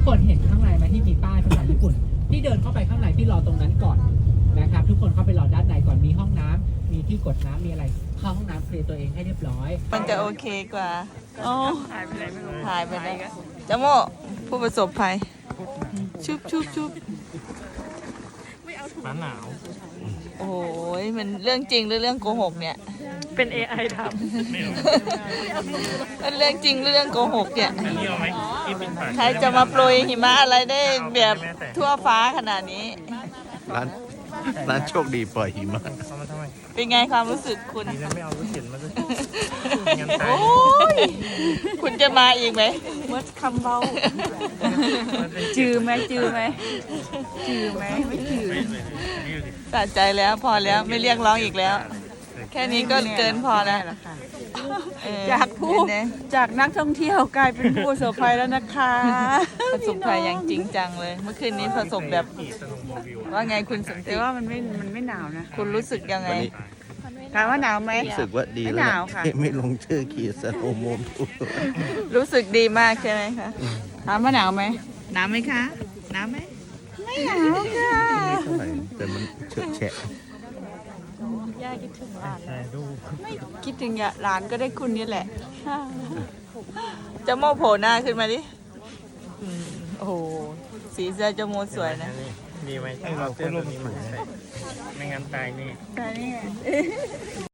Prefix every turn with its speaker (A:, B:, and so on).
A: คนเห็นข้างในไหมที่มีป้ายภาษาญี่ปุ่นพี่เดินเข้าไปข้างในพี่รอตรงนั้นก่อนนะครับทุกคนเข้าไปรอด้านในก่อนมีห้องน้ำมีที่กดน้ำมีอะไรเข้าห้องน้ำเคลียร์ตัวเองให้เรียบร้อย
B: มันจะโอเคกว่าโอ้หายไปไหนไม่รู้หายไปไหนจโมผู้ประสบภัยชุบ
C: หนาว
B: โอ้ยมันเรื่องจริงหรือเรื่องโกหกเนี่ย
D: เป็น AI ทำ
B: มันเรื่องจริงหรือเรื่องโกหกเนี่ย
C: อันนี้เอาไหมที่เป็นปาก
B: ใครจะมาโปรยหิมะอะไรได้แบบทั่วฟ้าขนาดนี้
E: ร้านโชคดีปล่อยหิมะ
C: เอามาทำไม
B: เป็นไงความรู้สึกคุณ
C: ดีนะไม่เอารถเข็นมาด้วยงั้นตาย
B: โอ้ยคุณจะมาอีกไหม
D: เมื่อคำเบาจือไหมจือไหมไม่จือ
B: สะใจแล้วพอแล้วไม่เรียกร้องอีกแล้ว แค่นี้ก็เกินพอแล้ว
D: จากผู้
B: เป็นไง
D: จากนักท่องเที่ยวกลายเป็นผู้ประสบภัยแล้วนะคะ
B: ประสบภัยอย่างจริงจังเลย เมื่อคืนนี้ประสบแบบว่าไงคุณสัน
D: แต่
B: ติ
D: ว่ามันไม่หนาวนะ
B: คุณรู้สึกยังไง
E: วันนี้
D: ถามว่าหนาวไหม
E: รู้สึกว่าดี
D: ไม่
E: แล้ว
D: หนาวค่ะ
E: ไม่ลงชื่อขี่สโนว์โมมทู
B: รู้สึกดีมากใช่ไหมคะ
D: ถามว่าหนาวไหม
B: หนาวไหมคะหนาวไหม
D: ไม่หนาวค่ะ
E: เท่าไหร่แต่มันเฉอะแฉะ
D: ย่าคิดถึงหลาน
C: ถ่ายรูป
D: ไม่คิดถึงหลานก็ได้คุณนี่แหละ
B: จะโมโผล่หน้าขึ้นมาดิโอ้โหสีเสื้อจะโมสวยนะ
C: ดีไหมให้เราเสื้อตัวนี้มาใส่ไม่งั้นตายนี่
D: แต่นี่